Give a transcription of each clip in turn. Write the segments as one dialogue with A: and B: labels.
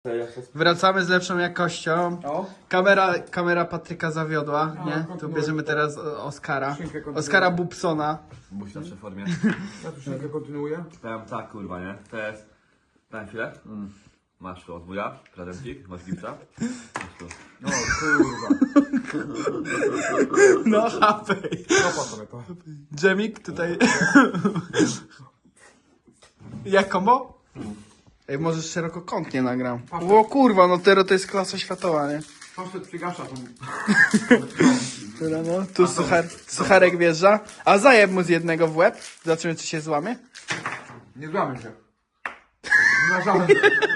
A: Wracamy z lepszą jakością.
B: O,
A: Kamera Patryka zawiodła, nie? Tu bierzemy teraz Oskara. Oskara Bubsona.
C: Musi zawsze w formie.
B: ja tu szynkę kontynuuję.
C: Powiem tak, kurwa, nie? To jest... Daj chwilę. Masz tu od wuja, prezencik, masz gipsa. Masz tu.
B: No kurwa.
A: No, hapej.
B: Kopa sobie to.
A: Dżemik tutaj. Jak kombo? Ej, może szerokokątnie nagram. O kurwa, no teraz to jest klasa światowa, nie?
B: Poszedł przygasza tą...
A: Dobra, no. Tu sucharek wjeżdża. A zajeb mu z jednego w łeb. Zobaczymy, czy się złamie.
B: Nie złamy się. Nie ma żadnych.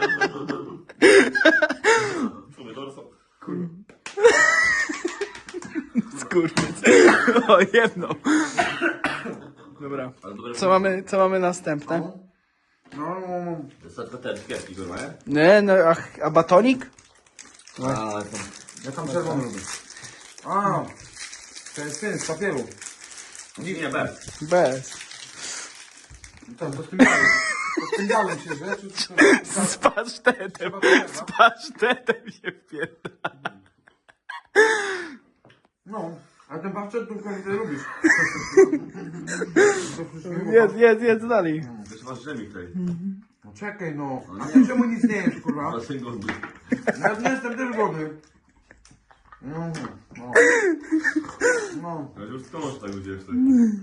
A: Skurwiec. O, jedno. Dobra. Co mamy następne?
B: No.
C: To jest tylko te szkielki, kurwa, nie?
A: Nie, no, a batonik?
C: A, to...
B: Ja tam czerwony lubię. A, to jest ten z papieru.
C: Nie, bez.
A: Bez.
B: To z tym dalej. To z tym dalej się, że?
A: Z pasztetem. Z pasztetem się wpierdala.
B: No, a ten paszczet tu ty lubisz.
A: Jedz dalej.
C: Wiesz, masz dżemik tutaj.
B: No czekaj no. A ty czemu nic nie jesz, kurwa?
C: Masz syn głodny.
B: Ja nie jestem też głodny. No. No.
C: Ja już skąd masz tak gdzieś tutaj?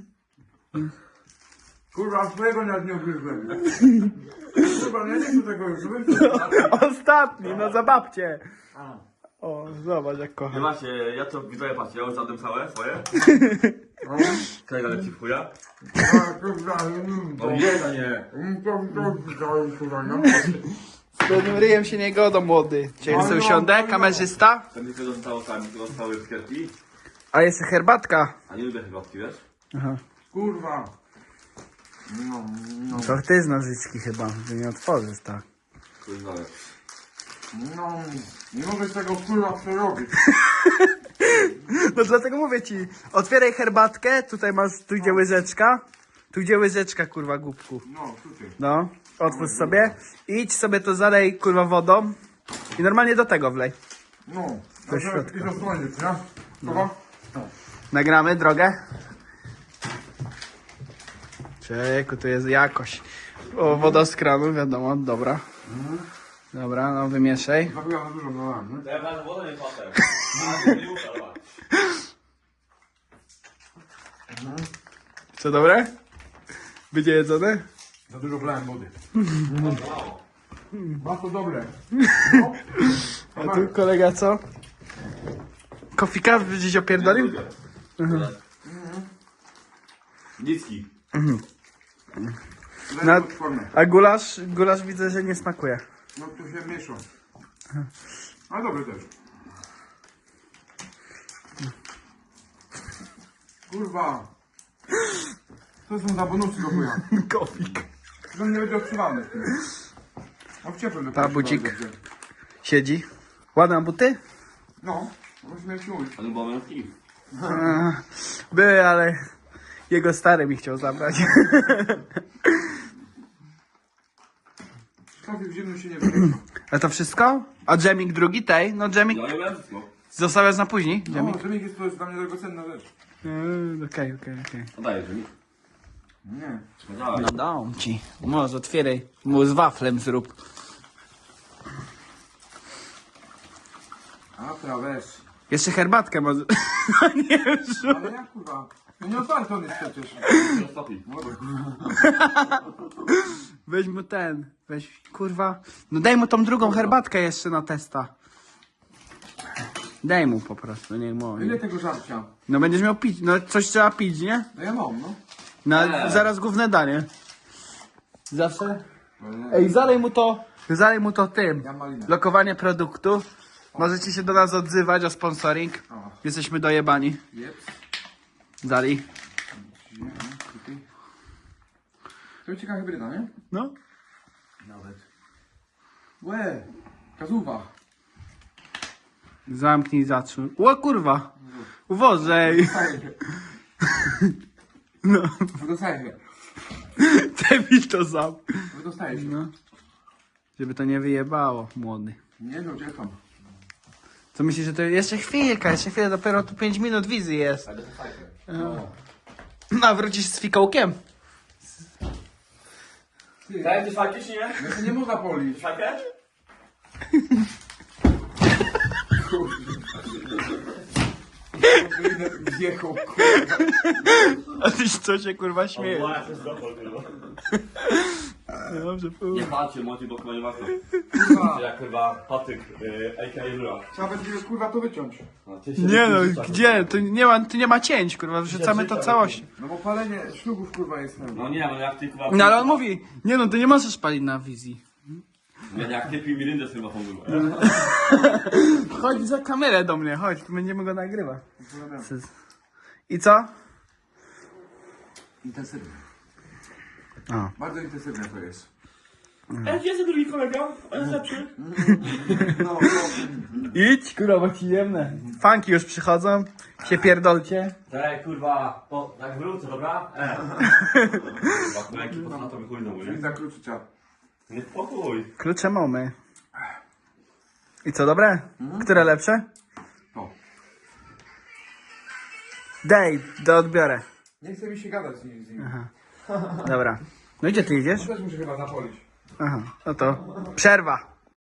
B: Kurwa, swojego nawet nie ugryzłem. Kurwa, ja nie chcę tego już.
A: Ostatni, no za babcię.
B: A.
A: O, zobacz jak
C: Nie
A: kocham.
C: macie, ja to widzowie patrzcie, ja już zadam całe swoje.
B: No.
C: Kolega leci w chuja.
B: A, kurwa,
C: No jest, a nie.
B: to kurwa, no.
A: Z pewnym ryjem się nie godą, młody. Dzisiaj sobie usiądę, kamerzysta.
C: Tam mi tego zostało tam, tylko zostały skierki.
A: A jest herbatka.
C: A nie lubię herbatki, wiesz?
A: Aha.
B: Kurwa. No.
A: To ty z nożyczki chyba, że nie otworzysz tak.
C: Kurwa,
B: No. Nie mogę z tego kurwa przerobić.
A: No dlatego mówię ci, otwieraj herbatkę, tutaj masz, tu gdzie łyżeczka. Tu gdzie łyżeczka, kurwa, głupku.
B: No, tutaj.
A: No, otwórz sobie. Idź sobie to zalej, kurwa, wodą. I normalnie do tego wlej.
B: No.
A: Do środka.
B: I zasłonić, nie? Kurwa?
A: Nagramy drogę. Czeku, tu jest jakość. O, woda z kranu, wiadomo, dobra. Dobra, no wymieszaj.
B: Zabiła za dużo, no. Nie?
C: ja wlazłem wodę, nie potem. A, nie ufa,
A: Co, dobre? Będzie jedzone?
B: Za dużo wlałem wody. Bardzo dobre.
A: A tu kolega co? Kofika gdzieś opierdolił?
C: Nicki.
A: Na-
B: Daj formę.
A: A gulasz widzę, że nie smakuje.
B: No tu się mieszą. A dobry też. Kurwa. To są za bonusy do chuja.
A: Kofik.
B: To nie będzie odsuwany. A w ciepłym lepiej.
A: Babucik. Siedzi. Ładne buty?
B: No, musimy się mówić.
C: Ale bo męski.
A: Były, ale jego stary mi chciał zabrać.
B: Szkafy w zimnym się nie wymieszą.
A: A to wszystko? A dżemik drugi tej? No dżemik
C: Ja lubię wszystko.
A: zostawiasz na później? Dżemik?
B: No, dżemik to jest dla mnie drogocenna rzecz.
A: Okej.
C: No dajesz, że mi.
B: Nie.
C: No dawaj.
A: No dam ci. Może otwieraj. Mu z waflem zrób.
B: A trawesz.
A: Jeszcze herbatkę może. No nie wiem.
B: Ale jak kurwa? No nie otwarty on jest przecież.
C: No stopi.
A: Weź mu ten. Weź, kurwa. No daj mu tą drugą herbatkę jeszcze na testa. Daj mu po prostu, nie mu.
B: Ile tego żarcia?
A: No będziesz miał pić. No coś trzeba pić, nie?
B: No ja mam, no.
A: No, zaraz główne danie. Zawsze? Ej, zalej mu to tym.
B: Ja malinę.
A: Lokowanie produktu. Możecie się do nas odzywać o sponsoring.
B: O.
A: Jesteśmy dojebani.
B: Jep.
A: Zali.
B: To ciekawa hybryda, nie?
A: No.
B: Nawet. Łe. Kazuwa.
A: Zamknij, zatrzymuj. O kurwa. Uwożej. No.
B: Wydostaje się.
A: Debil to sam.
B: Wydostaje się.
A: No. Żeby to nie wyjebało, młody.
B: Nie no, gdzie tam?
A: Co myślisz, że to jeszcze chwilę, dopiero tu 5 minut wizji jest.
C: Ale to fajne.
A: A wrócisz z fikołkiem?
B: Ty,
C: Daj, ty fajki czy nie?
B: no to nie można polić.
C: Fajkę?
B: Wjechał, kurwa.
A: A ty co się kurwa śmiejesz?
C: O, ja się zdopol, kurwa.
A: Dobrze,
C: Nie patrzcie, Monty, bo chyba nie warto.
B: Kurwa.
C: Jak chyba patyk, a.k.a. Rura.
B: Trzeba będzie kurwa to wyciąć.
C: No, ty się
A: Nie no,
C: wyrzucasz.
A: gdzie? Tu nie ma cięć, kurwa, wrzucamy to całość.
B: No bo palenie ślubów kurwa jest tam.
C: No nie, no jak ty kurwa...
A: No ale on mówi, nie no, ty nie możesz palić na wizji.
C: Nie, jak ty pij mirindę z tym machą, kurwa.
A: Chodź za kamerę do mnie, chodź, będziemy go nagrywać. I co?
B: Intensywne.
A: A.
B: Bardzo intensywne to jest.
C: Ej, gdzie jest drugi kolega? On jest lepszy.
B: No,
A: Idź, kurwa, bo ci jemne. Funki już przychodzą, się pierdolcie.
C: Ej, kurwa, jak wrócę, dobra? Kurwa, kurwa, jaki na to wychuj znowu,
B: czyli
C: nie?
B: za kluczycia.
C: Nie spokój.
A: Klucze mamy. I co, dobre? Które lepsze?
B: To.
A: Daj, do odbiorę.
B: Nie chce mi się gadać z nim.
A: Dobra. No i gdzie ty idziesz?
B: Też muszę chyba zapolić.
A: Aha, no to przerwa.